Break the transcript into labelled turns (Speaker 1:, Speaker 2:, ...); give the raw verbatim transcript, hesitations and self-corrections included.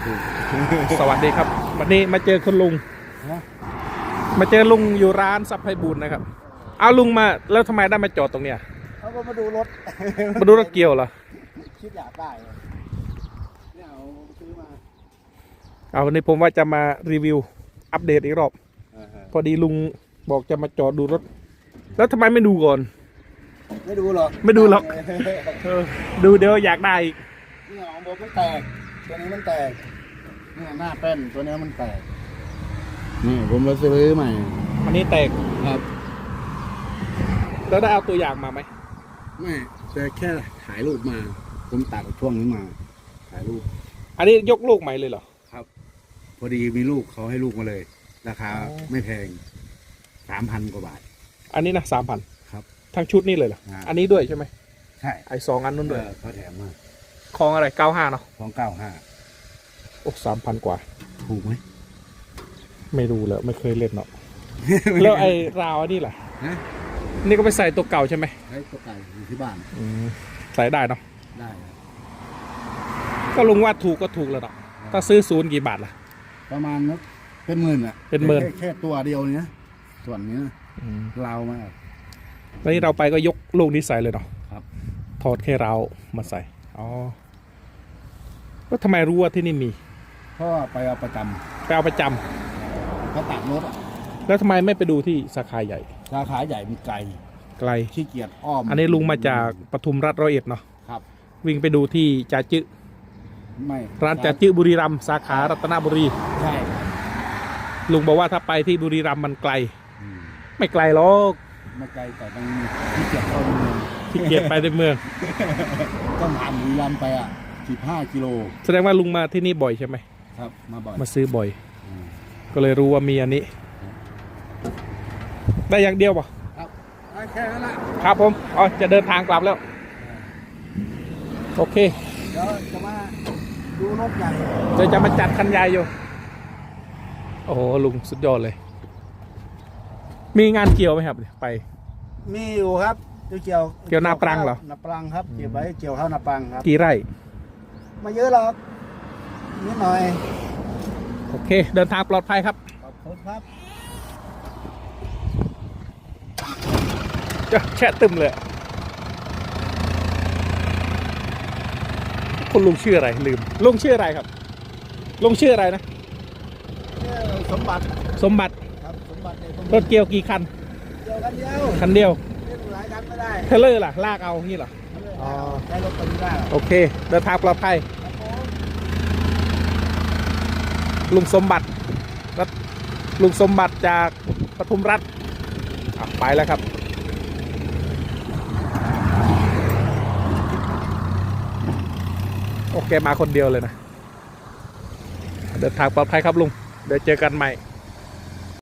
Speaker 1: สวัสดีครับวันนี้มาเจอคุณลุงมาเจอลุงอยู่ร้านซับไพบูลนะครับเอาลุงมาแล้วทำไมได้มาจอดตรงเนี้ย
Speaker 2: เขาก็มาดูรถ
Speaker 1: มาดูรถเกี่ยวเหรอ
Speaker 2: คิดอยากได้เนี่ยเอาซื้อมา
Speaker 1: เอาวันนี้ผมว่าจะมารีวิวอัปเดตอีกรอบพอดีลุงบอกจะมาจอดดูรถแล้วทำไมไม่ดูก่อน
Speaker 2: ไม่ดูหรอก
Speaker 1: ไม่ดูหรอกดูเดี๋ยวอยากได้อีก
Speaker 2: นี่ของผมมันแตกตัวนี้มันแตกนี่หน้าแป้นตัวนี้มันแตกนี่ผมมาซื้อใหม่
Speaker 1: อันนี้แตก
Speaker 2: ครับ
Speaker 1: แล้วได้เอาตัวอย่างมาไหม
Speaker 2: ไม่แต่แค่ถ่ายรูปมาผมตัดช่วงนี้มาถ่ายรูป
Speaker 1: อันนี้ยกลูกใหม่เลยเหรอ
Speaker 2: ครับพอดีมีลูกเขาให้ลูกมาเลยราคาไม่แพงสามพันกว่าบาท
Speaker 1: อันนี้นะสามพัน
Speaker 2: ครับ
Speaker 1: ทั้งชุดนี่เลยเหรออันนี้ด้วยใช่ไหม
Speaker 2: ใช่
Speaker 1: ไอสองอันนู้นด้วย
Speaker 2: เขาแถมมา
Speaker 1: ของอะไรเก้าห้าเนาะ
Speaker 2: ของเก้าห้า
Speaker 1: โอ้สามพันกว่า
Speaker 2: ถูกไหม
Speaker 1: ไม่รู้เลยไม่เคยเล่นเนาะแล้วไอ้ราวนี่แหละนี่ก็ไปใส่ตัวเก่าใช่ไหม
Speaker 2: ใส่ตัวเก่าอยู่ที่บ้าน
Speaker 1: ใส่ได้เนาะ
Speaker 2: ได้
Speaker 1: ก็ลุงว่าถูกก็ถูกแล้วเนาะถ้าซื้อศูนย์กี่บาทล่ะ
Speaker 2: ประมาณนัเป็นหมื่นอ่ะ
Speaker 1: เป็นหมื่น
Speaker 2: แค่ตัวเดียวเนี้ยส่วนนี้ราวมาก
Speaker 1: ตอนนี้เราไปก็ยกลูกนี้ใส่เลยเนาะ
Speaker 2: ครับ
Speaker 1: ถอดแค่ราวมาใส่อ๋อแล้วทำไมรู้ว่าที่นี่มี
Speaker 2: เพราะไปเอาประจำ
Speaker 1: ไปเอาประจำ
Speaker 2: เขาตัดรถ
Speaker 1: แล้วทำไมไม่ไปดูที่สาขาใหญ่
Speaker 2: สาขาใหญ่มันไกล
Speaker 1: ไกล
Speaker 2: ขี้เกียจอ้อม
Speaker 1: อันนี้ลุงมาจากปทุมรัฐร้อยเอ็ดเนาะ
Speaker 2: ครับ
Speaker 1: วิ่งไปดูที่จ่าจื้อ
Speaker 2: ไม่
Speaker 1: ร้านจ่าจื้อบุรีรัมย์สาขารัตนบุรี
Speaker 2: ใช่
Speaker 1: ลุงบอกว่าถ้าไปที่บุรีรัมย์มันไกลไม่ไกลหรอก
Speaker 2: ไม่ไกลแต่ต้องขี้เกียจเข้าเมือง
Speaker 1: ขี้เกียจไปในเมือง
Speaker 2: ต้องผ่านบุรีรัมย์ไปอ่ะสิบห้ากิโล
Speaker 1: แสดงว่าลุงมาที่นี่บ่อยใช่ไหม
Speaker 2: ครับมาบ่อย
Speaker 1: มาซื้อบ่อยก็เลยรู้ว่ามีอันนี้ได้อย่างเดียวป่ะ
Speaker 2: ครับแค่นั้นแหละ
Speaker 1: ครับผมอ๋อจะเดินทางกลับแล้วโอเค
Speaker 2: เดี๋ยวจะมาดูรถใหญ่
Speaker 1: เดี๋ยวจะมาจัดคันใหญ่อยู่โอ้โหลุงสุดยอดเลยมีงานเกี่ยวไหมครับไป
Speaker 2: มีอยู่ครับเกี่ยว
Speaker 1: เกี่ยวนาปรังเหรอ
Speaker 2: นาปรังครับเกี่ยวไว้เกี่ยวข้าวนาปรังครับ
Speaker 1: กี่ไร่
Speaker 2: มาเยอะหรอกนิดหน่อย
Speaker 1: โอเคเดินทางปลอดภัยครับ
Speaker 2: ขอบคุณครับ
Speaker 1: จะแช่ตึมเลยคุณลุงชื่ออะไรลืมลุงชื่ออะไรครับลุงชื่ออะไรนะ
Speaker 2: สมบัติ
Speaker 1: สมบัติ
Speaker 2: ครับสมบัติ
Speaker 1: รถเกี่ยวกี่คัน
Speaker 2: เกี่ยวคันเดียว
Speaker 1: คันเดียว
Speaker 2: หลายคันไม่ได้
Speaker 1: เทเลอร์ล่ะลากเอางี้เหรอ
Speaker 2: อ๋อใช้รถคันนี้ได้
Speaker 1: โอเคเดินทางปลอดภัยลุงสมบัติรถลุงสมบัติจากปทุมรัฐไปแล้วครับโอเคมาคนเดียวเลยนะเดินทางปลอดภัยครับลุงเดี๋ยวเจอกันใหม่